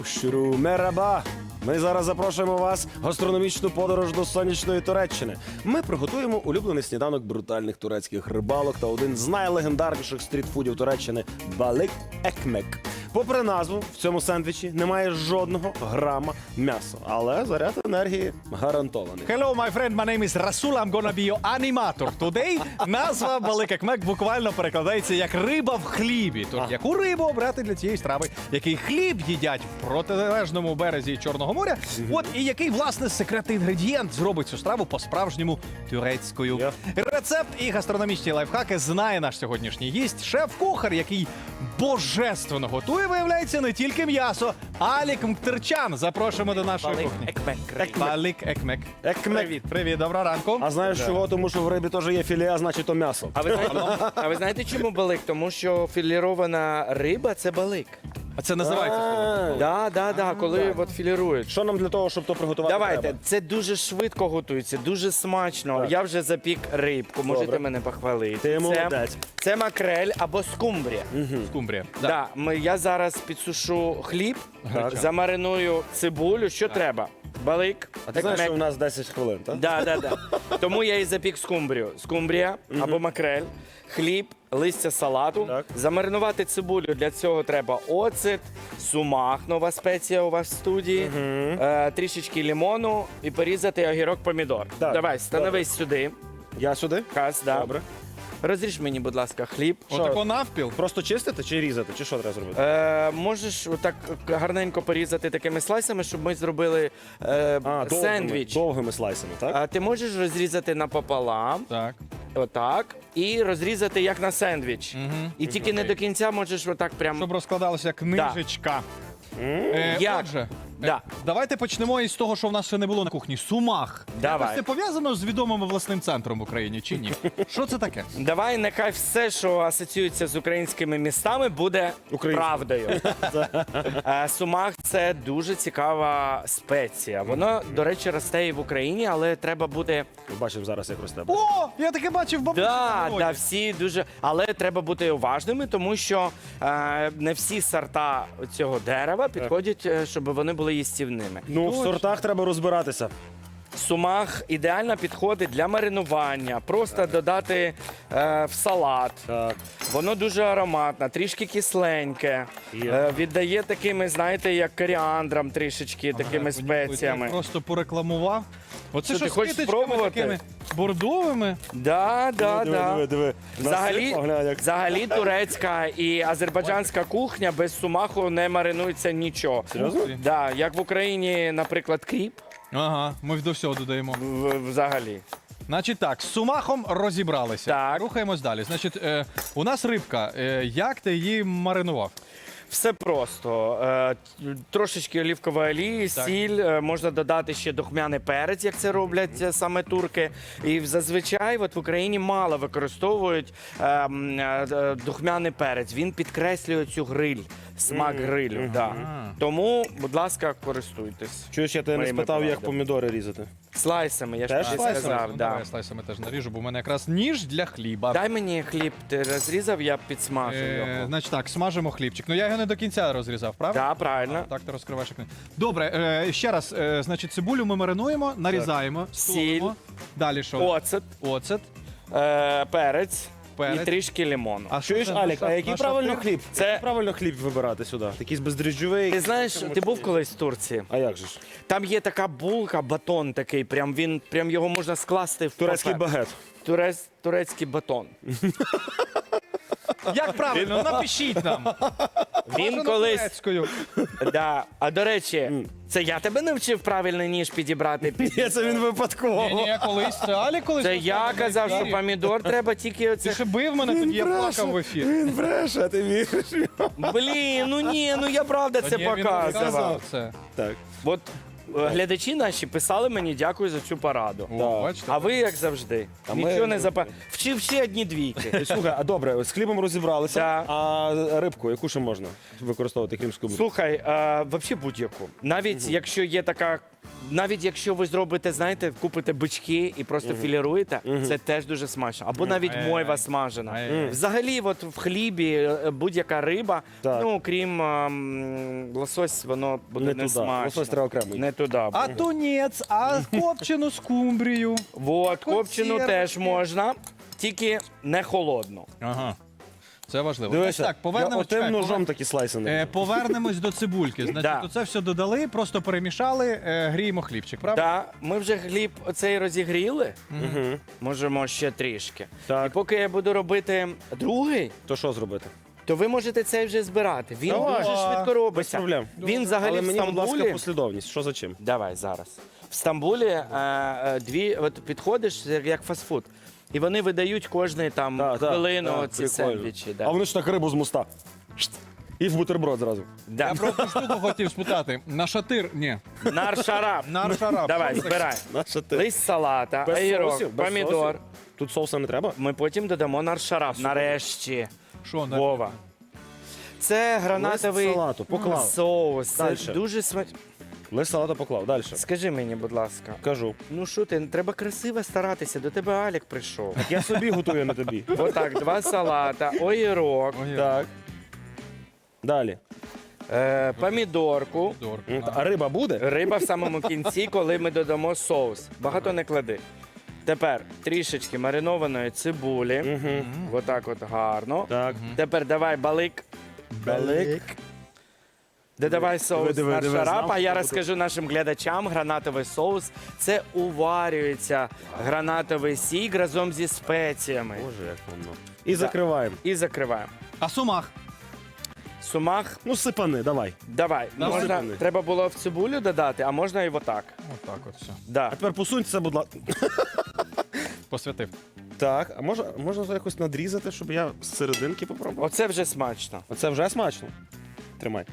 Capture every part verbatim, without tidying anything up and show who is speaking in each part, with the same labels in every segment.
Speaker 1: Щуру, мераба! Ми зараз запрошуємо вас в гастрономічну подорож до сонячної Туреччини. Ми приготуємо улюблений сніданок брутальних турецьких рибалок та один з найлегендарніших стрітфудів Туреччини – балик екмек. Попри назву, в цьому сендвічі немає жодного грама м'яса, але заряд енергії гарантований.
Speaker 2: Hello, my friend, my name is Rasul, I'm gonna be your animator. Today назва балик екмек буквально перекладається як риба в хлібі. Тож яку рибу обрати для цієї страви? Який хліб їдять в протилежному березі Чорного моря? От і який, власне, секретний інгредієнт зробить цю страву по-справжньому турецькою.
Speaker 1: Yeah.
Speaker 2: Рецепт і гастрономічні лайфхаки знає наш сьогоднішній гість, шеф-кухар, який божественно готує, виявляється, не тільки м'ясо. Алік Мктерчан. Запрошуємо до нашої
Speaker 3: Балик
Speaker 2: кухні.
Speaker 3: екмек.
Speaker 2: Балик екмек.
Speaker 1: Екмек.
Speaker 2: Привіт, привіт, доброго ранку.
Speaker 1: А знаєш чого? Тому що в рибі теж є філе, а значить то м'ясо.
Speaker 3: А ви знаєте, а ви знаєте, чому балик? Тому що філірована риба це балик.
Speaker 2: А це називається?
Speaker 1: А,
Speaker 3: Да, да, да, коли от філірують.
Speaker 1: Що нам для того, щоб то приготувати
Speaker 3: Давайте,
Speaker 1: треба?
Speaker 3: це дуже швидко готується, дуже смачно.
Speaker 1: Так.
Speaker 3: Я вже запік рибку, можете
Speaker 1: Добре.
Speaker 3: мене похвалити.
Speaker 1: Ти
Speaker 3: це,
Speaker 1: молодець.
Speaker 3: це макрель або скумбрія.
Speaker 2: Скумбрія.
Speaker 3: Да. ми, я зараз підсушу хліб,
Speaker 1: Так.
Speaker 3: замариную цибулю. Що треба? Балик,
Speaker 1: А ти знаєш,
Speaker 3: екмек.
Speaker 1: що в нас десять хвилин, так?
Speaker 3: Да, да, да. Тому я і запік скумбрію. Скумбрія або макрель, хліб, листя салату.
Speaker 1: Так.
Speaker 3: Замаринувати цибулю для цього треба оцет, сумах, нова спеція у вас в студії, е, трішечки лимону і порізати огірок помідор.
Speaker 1: Так.
Speaker 3: Давай, становись сюди.
Speaker 1: Я сюди?
Speaker 3: Кас, да.
Speaker 1: Добре.
Speaker 3: Розріж мені, будь ласка, хліб.
Speaker 2: Отако навпіл.
Speaker 1: Просто чистити чи різати? Чи що треба зробити?
Speaker 3: Е, можеш отак гарненько порізати такими слайсами, щоб ми зробили е,
Speaker 1: А, довгими,
Speaker 3: сендвіч.
Speaker 1: довгими слайсами, так?
Speaker 3: А ти можеш розрізати напополам.
Speaker 2: Так.
Speaker 3: Отак. І розрізати як на сендвіч.
Speaker 2: Мгм.
Speaker 3: І тільки не до кінця можеш отак прям.
Speaker 2: Щоб розкладалася книжечка. Е,
Speaker 3: Як?
Speaker 2: Отже,
Speaker 3: Да.
Speaker 2: е, давайте почнемо із того, що в нас ще не було на кухні. Сумах.
Speaker 3: Давай.
Speaker 2: Якось це пов'язано з відомим власним центром в Україні чи ні? Що це таке?
Speaker 3: Давай, нехай все, що асоціюється з українськими містами, буде
Speaker 1: Українською.
Speaker 3: правдою. Е, Сумах це дуже цікава спеція. Воно, до речі, росте і в Україні, але треба бути.
Speaker 1: Бачив зараз, як росте.
Speaker 2: О, я таке бачив бабусі.
Speaker 3: Да,
Speaker 2: на
Speaker 3: да,
Speaker 2: городі.
Speaker 3: всі дуже. Але треба бути уважними, тому що е, не всі сорта цього дерева підходять, е, щоб вони були їстівними.
Speaker 1: Ну, в сортах треба розбиратися.
Speaker 3: Сумах ідеально підходить для маринування, просто додати е, в салат.
Speaker 1: Так.
Speaker 3: Воно дуже ароматне, трішки кисленьке,
Speaker 1: Є.
Speaker 3: е, віддає такими, знаєте, як коріандром трішечки, такими
Speaker 2: Я
Speaker 3: спеціями.
Speaker 2: просто порекламував. Оце
Speaker 3: Що,
Speaker 2: що
Speaker 3: ти
Speaker 2: з
Speaker 3: хочеш
Speaker 2: квіточками
Speaker 3: спробувати?
Speaker 2: такими бордовими.
Speaker 3: Да, да,
Speaker 1: диви,
Speaker 3: да.
Speaker 1: диви, диви.
Speaker 3: Взагалі,
Speaker 1: Насип, поглянь, як-
Speaker 3: взагалі турецька і азербайджанська кухня без сумаху не маринується нічого.
Speaker 1: Серйозно?
Speaker 3: Да, як в Україні, наприклад, кріп,
Speaker 2: Ага, ми до всього додаємо.
Speaker 3: в- взагалі.
Speaker 2: Значить так, з сумахом розібралися.
Speaker 3: Так.
Speaker 2: Рухаємось далі. Значить, е, у нас рибка. Е, як ти її маринував?
Speaker 3: Все просто. Е, трошечки олівкової олії,
Speaker 2: Так.
Speaker 3: сіль, е, можна додати ще духмяний перець, як це роблять е, саме турки. І зазвичай от в Україні мало використовують е, м, е, е, духмяний перець. Він підкреслює цю гриль, смак грилю. Да. Тому, будь ласка, користуйтесь.
Speaker 1: Чуєш, я тебе не
Speaker 3: Моїми
Speaker 1: спитав, як
Speaker 3: порадами.
Speaker 1: помідори різати.
Speaker 3: Слайсами, я ж
Speaker 1: Теж
Speaker 3: тобі
Speaker 1: слайсами?
Speaker 3: сказав.
Speaker 2: Ну,
Speaker 3: Да.
Speaker 2: давай слайсами теж наріжу, бо в мене якраз ніж для хліба.
Speaker 3: Дай мені хліб, ти розрізав, я підсмажу
Speaker 2: Е,
Speaker 3: його.
Speaker 2: значить так, смажимо хлібчик. Ну я його не до кінця розрізав, правда?
Speaker 3: Так, правильно.
Speaker 2: Так, ти розкриваєш як не. Добре, е, ще раз, е, значить, цибулю ми маринуємо, нарізаємо, солимо. Далі що?
Speaker 3: Оцет,
Speaker 2: Оцет.
Speaker 3: е, перець,
Speaker 2: Перець.
Speaker 3: і трішки лимону.
Speaker 2: А що
Speaker 1: Чуєш,
Speaker 2: це
Speaker 1: Алік, а
Speaker 2: наша-
Speaker 1: який
Speaker 2: наша
Speaker 1: правильно
Speaker 2: пир-
Speaker 1: хліб?
Speaker 3: Це-
Speaker 1: Який правильно хліб вибирати сюди? Якийсь бездріжджовий?
Speaker 3: Ти знаєш, ти був колись в Турції?
Speaker 1: А як же ж?
Speaker 3: Там є така булка, батон такий, прям він прям його можна скласти в
Speaker 1: Турецький
Speaker 3: папер.
Speaker 1: багет.
Speaker 3: Турец, турецький батон.
Speaker 2: Як правильно? Напишіть нам.
Speaker 3: Він
Speaker 2: Бажано
Speaker 3: колись.
Speaker 2: турецькою.
Speaker 3: Да. А до речі, це я тебе навчив правильний ніж підібрати. під-
Speaker 1: Ні, це він випадково.
Speaker 2: Ні, ні, колись це Алі колись.
Speaker 3: Це я
Speaker 2: розказував на
Speaker 3: казав, що
Speaker 2: ефірі.
Speaker 3: помідор треба тільки
Speaker 2: Ти
Speaker 3: оце.
Speaker 2: ще бив мене тоді, я плакав в ефірі.
Speaker 1: Він бреше, а ти віриш?
Speaker 3: Блін, ну ні, ну я правда це
Speaker 2: Ні, він
Speaker 3: показував.
Speaker 2: розказував це.
Speaker 1: Так.
Speaker 3: От е, глядачі наші писали мені дякую за цю пораду.
Speaker 2: О, бачите?
Speaker 3: А ви як завжди?
Speaker 1: А ми-
Speaker 3: Нічого не запа. Вчив ще одні двійки.
Speaker 1: Слухай, а добре, з хлібом розібралися,
Speaker 3: Так.
Speaker 1: а рибку, яку ще можна використовувати крім скумбрії?
Speaker 3: Слухай, а, взагалі будь-яку. Навіть якщо є така навіть якщо ви зробите, знаєте, купите бички і просто філіруєте, це теж дуже смачно. Або навіть
Speaker 2: Ай-яй-яй.
Speaker 3: мойва смажена.
Speaker 2: Ай-яй-яй.
Speaker 3: Взагалі, от в хлібі е, будь-яка риба,
Speaker 1: Так.
Speaker 3: ну крім ем, лосось, воно буде
Speaker 1: Не
Speaker 3: не,
Speaker 1: туди.
Speaker 3: смачно.
Speaker 1: Лосось треба окремий.
Speaker 3: Не туди.
Speaker 2: А тунець, а копчену скумбрію.
Speaker 3: От, копчену
Speaker 2: Консервки.
Speaker 3: теж можна, тільки не холодну.
Speaker 2: Ага. Це важливо.
Speaker 1: Дивися,
Speaker 2: Значить так,
Speaker 1: я
Speaker 2: повернемось,
Speaker 1: отим
Speaker 2: чекай,
Speaker 1: ножом
Speaker 2: повер-
Speaker 1: такі слайси не
Speaker 2: Е, повернемось до цибульки. Значить,
Speaker 3: Да.
Speaker 2: оце все додали, просто перемішали, е, гріємо хлібчик, правда?
Speaker 3: Так, ми вже хліб оцей розігріли,
Speaker 1: Угу.
Speaker 3: можемо ще трішки.
Speaker 1: Так.
Speaker 3: І поки я буду робити другий,
Speaker 1: То що зробити?
Speaker 3: то ви можете цей вже збирати. Він
Speaker 1: Давай.
Speaker 3: дуже швидко
Speaker 1: Без
Speaker 3: робиться.
Speaker 1: проблем.
Speaker 3: Він взагалі
Speaker 1: Але
Speaker 3: в
Speaker 1: мені, будь ласка,
Speaker 3: Стамбулі.
Speaker 1: послідовність. Що за чим?
Speaker 3: Давай зараз. В Стамбулі е, е, дві от підходиш як, як фастфуд. І вони видають кожний там
Speaker 1: Так, так,
Speaker 3: хвилину
Speaker 1: так,
Speaker 3: ці
Speaker 1: прикольно.
Speaker 3: сендвічі. Да.
Speaker 1: А вони ж так рибу з моста. Шт. І в бутерброд зразу.
Speaker 3: Да.
Speaker 2: Я про одну штуку хотів спитати. На шатир, ні.
Speaker 3: Нар-шарап.
Speaker 2: Нар-шарап.
Speaker 3: Давай,
Speaker 2: Що це таке?
Speaker 3: збирай.
Speaker 1: Наша ти.
Speaker 3: Лист салата,
Speaker 1: Без
Speaker 3: огірок,
Speaker 1: соусів? Без
Speaker 3: помідор.
Speaker 1: соусів? Тут соуса не треба?
Speaker 3: Ми потім додамо нар-шарап. Нарешті.
Speaker 2: Що, на-
Speaker 3: Вова. Це гранатовий
Speaker 1: Лист салату поклав.
Speaker 3: соус. Це
Speaker 1: Дальше.
Speaker 3: дуже смачно.
Speaker 1: Лист салата поклав. Далі.
Speaker 3: Скажи мені, будь ласка.
Speaker 1: Кажу.
Speaker 3: Ну що ти, треба красиво старатися, до тебе Алік прийшов.
Speaker 1: Я собі готую на тобі.
Speaker 3: Отак, два салата, огірок,
Speaker 2: Ой,
Speaker 1: Так. Далі.
Speaker 3: е, помідорку.
Speaker 2: помідор.
Speaker 1: М, та- А риба буде?
Speaker 3: Риба в самому кінці, коли ми додамо соус. Багато не клади. Тепер трішечки маринованої цибулі.
Speaker 1: Угу.
Speaker 3: Отак от гарно.
Speaker 1: Так.
Speaker 3: Тепер давай балик.
Speaker 1: Балик.
Speaker 3: Додавай соус
Speaker 1: диви,
Speaker 3: на
Speaker 1: диви,
Speaker 3: шарап,
Speaker 1: знав,
Speaker 3: а я
Speaker 1: що
Speaker 3: розкажу нашим глядачам, гранатовий соус – це уварюється гранатовий сік разом зі спеціями.
Speaker 1: Боже, як воно. І закриваємо.
Speaker 3: І закриваємо.
Speaker 2: А сумах?
Speaker 3: Сумах,
Speaker 1: Ну, сипани, давай.
Speaker 3: давай.
Speaker 2: Давай.
Speaker 3: Можна,
Speaker 1: Сипани.
Speaker 3: треба було в цибулю додати, а можна і отак.
Speaker 2: Отак от все.
Speaker 3: Да.
Speaker 1: А тепер посуньтеся, будь ласка.
Speaker 2: Посвятив.
Speaker 1: Так, а може, можна це якось надрізати, щоб я з серединки попробував?
Speaker 3: Оце вже смачно.
Speaker 1: Оце вже смачно. Тримай.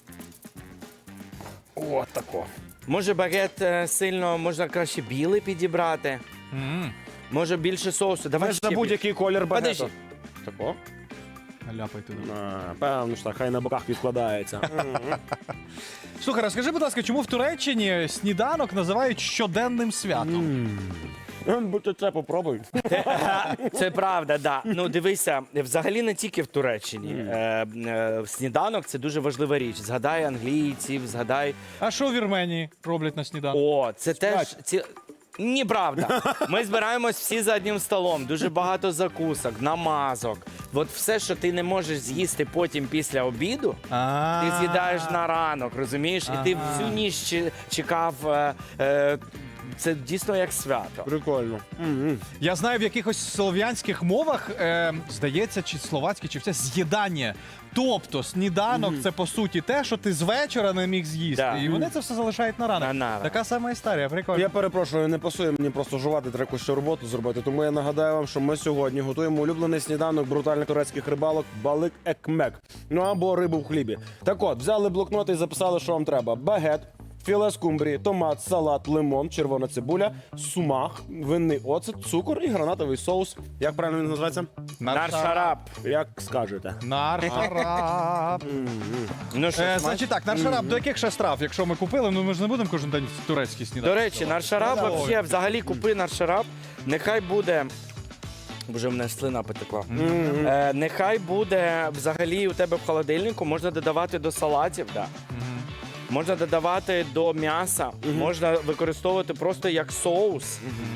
Speaker 1: О, тако.
Speaker 3: Може багет е, сильно, можна краще білий підібрати.
Speaker 2: М,
Speaker 3: Може більше соусу. Давай
Speaker 1: Ми
Speaker 3: ще
Speaker 1: на
Speaker 3: більше.
Speaker 1: будь-який колір багато.
Speaker 3: Подожди.
Speaker 1: Тако?
Speaker 2: Ляпайте.
Speaker 1: А, певно ж так, хай на боках відкладається.
Speaker 2: Слухай, розкажи, будь ласка, чому в Туреччині сніданок називають щоденним святом?
Speaker 1: Будь це попробуй.
Speaker 3: Це правда, да. Ну дивися, взагалі не тільки в Туреччині. Е, е, сніданок це дуже важлива річ. Згадай англійців, згадай.
Speaker 2: А що в Вірменії роблять на сніданок?
Speaker 3: О, це теж ці. Ні, правда. Ми збираємось всі за одним столом. Дуже багато закусок, намазок. От все, що ти не можеш з'їсти потім після обіду,
Speaker 2: А.
Speaker 3: ти з'їдаєш на ранок, розумієш? І ти
Speaker 2: Ага.
Speaker 3: всю ніч чи- чекав. е, е, Це дійсно як свято.
Speaker 1: Прикольно. Мгм.
Speaker 2: Я знаю, в якихось слов'янських мовах, е, здається, чи словацькі, чи все з'їдання. Тобто сніданок це по суті те, що ти з вечора не міг з'їсти.
Speaker 3: Да.
Speaker 2: І вони це все залишають на ранок.
Speaker 3: На ранок.
Speaker 2: Така сама історія, прикольно.
Speaker 1: Я перепрошую, не пасує мені просто жувати, треба якусь ще роботу зробити. Тому я нагадаю вам, що ми сьогодні готуємо улюблений сніданок брутальних турецьких рибалок балик екмек. Ну або рибу в хлібі. Так от, взяли блокноти і записали, що вам треба: багет, філе скумбрії, томат, салат, лимон, червона цибуля, сумах, винний оцет, цукор і гранатовий соус. Як правильно він називається?
Speaker 3: Нар-шарап.
Speaker 1: Як скажете.
Speaker 2: Наршараб.
Speaker 3: Ну що,
Speaker 2: Е,
Speaker 3: смачно?
Speaker 2: значить так, наршараб до яких ще страв? Якщо ми купили, ну ми ж не будемо кожен день турецький
Speaker 3: До
Speaker 2: сніданок.
Speaker 3: речі, наршарап
Speaker 2: Ой.
Speaker 3: вообще, взагалі купи наршарап. Нехай буде. Боже, в мене слина потекла. Е, нехай буде взагалі у тебе в холодильнику, можна додавати до салатів, да. Можна додавати до м'яса, можна використовувати просто як соус.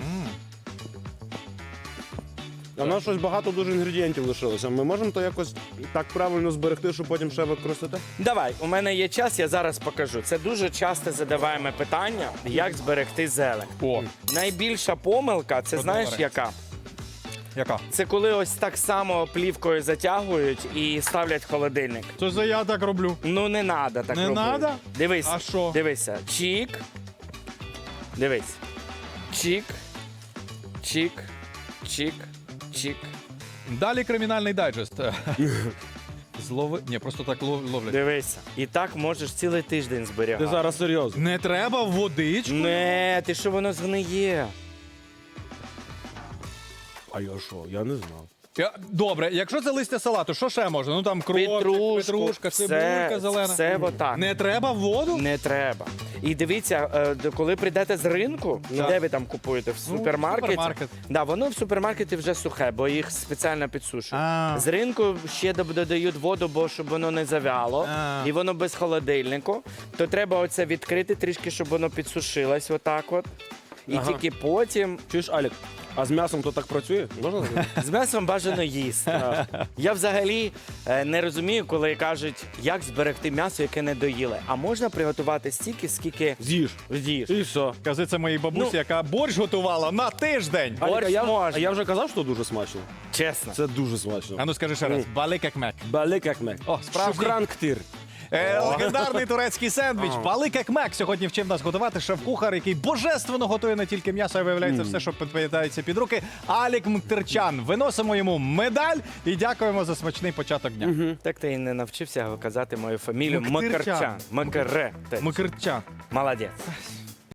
Speaker 1: А в нас щось багато дуже інгредієнтів лишилося. Ми можемо то якось так правильно зберегти, щоб потім ще використати?
Speaker 3: Давай, у мене є час, я зараз покажу. Це дуже часто задаваємо питання, як зберегти зелень.
Speaker 2: О,
Speaker 3: Найбільша помилка, це знаєш
Speaker 2: Продовжуй.
Speaker 3: яка?
Speaker 2: яка?
Speaker 3: Це коли ось так само плівкою затягують і ставлять в холодильник.
Speaker 2: Це за я так роблю.
Speaker 3: Ну не треба так
Speaker 2: Не
Speaker 3: робити.
Speaker 2: надо?
Speaker 3: Дивись.
Speaker 2: А що?
Speaker 3: Дивися. Чік. Дивись. Чік. Чік. Чік. Чік.
Speaker 2: Далі кримінальний дайджест. Злови. Ні, просто так лов- ловлять.
Speaker 3: Дивися. І так можеш цілий тиждень
Speaker 1: Ти
Speaker 3: зберігати.
Speaker 1: зараз серйозно.
Speaker 2: Не треба в водичку.
Speaker 3: Не, ти що воно згниє?
Speaker 1: А я що? Я не знав.
Speaker 2: Я- Добре, якщо це листя салату, що ще можна? Ну там кров,
Speaker 3: Петрушку,
Speaker 2: петрушка,
Speaker 3: все-
Speaker 2: цибулька зелена.
Speaker 3: все отак.
Speaker 2: Не треба в воду?
Speaker 3: Не треба. І дивіться, е, д- коли прийдете з ринку,
Speaker 2: Так.
Speaker 3: де ви там купуєте? В
Speaker 2: Ну,
Speaker 3: супермаркеті?
Speaker 2: супермаркет.
Speaker 3: Да, воно в супермаркеті вже сухе, бо їх спеціально підсушують.
Speaker 2: А.
Speaker 3: З ринку ще доб- додають воду, бо щоб воно не завяло,
Speaker 2: А.
Speaker 3: і воно без холодильнику. То треба оце відкрити трішки, щоб воно підсушилось отак от. І
Speaker 1: Ага.
Speaker 3: тільки потім
Speaker 1: Чуєш, Алік, а з м'ясом то так працює? Можна сказати?
Speaker 3: з м'ясом бажано їсти. Я взагалі е, не розумію, коли кажуть, як зберегти м'ясо, яке не доїли. А можна приготувати стільки, скільки
Speaker 1: З'їж.
Speaker 3: з'їш.
Speaker 1: І все.
Speaker 2: Кажи це моїй бабусі,
Speaker 3: Ну.
Speaker 2: яка борщ готувала на тиждень.
Speaker 3: Борщ
Speaker 1: Алік, а я,
Speaker 3: можна.
Speaker 1: а я вже казав, що дуже смачно.
Speaker 3: Чесно.
Speaker 1: Це дуже смачно.
Speaker 2: А ну скажи ще раз, балик як мек.
Speaker 1: Балик як мек.
Speaker 2: О, справжній.
Speaker 1: Шукран ктир.
Speaker 2: Е, легендарний турецький сендвіч Балик як мек сьогодні вчив нас готувати шеф-кухар, який божественно готує не тільки м'ясо, а виявляється все, що підпадається під руки. Алік Мктерчан. Виносимо йому медаль і дякуємо за смачний початок дня.
Speaker 3: Так ти і не навчився казати мою фамілію
Speaker 2: Муктерчан.
Speaker 3: Макарчан. Макаре.
Speaker 2: Мктерчан.
Speaker 3: Молодець.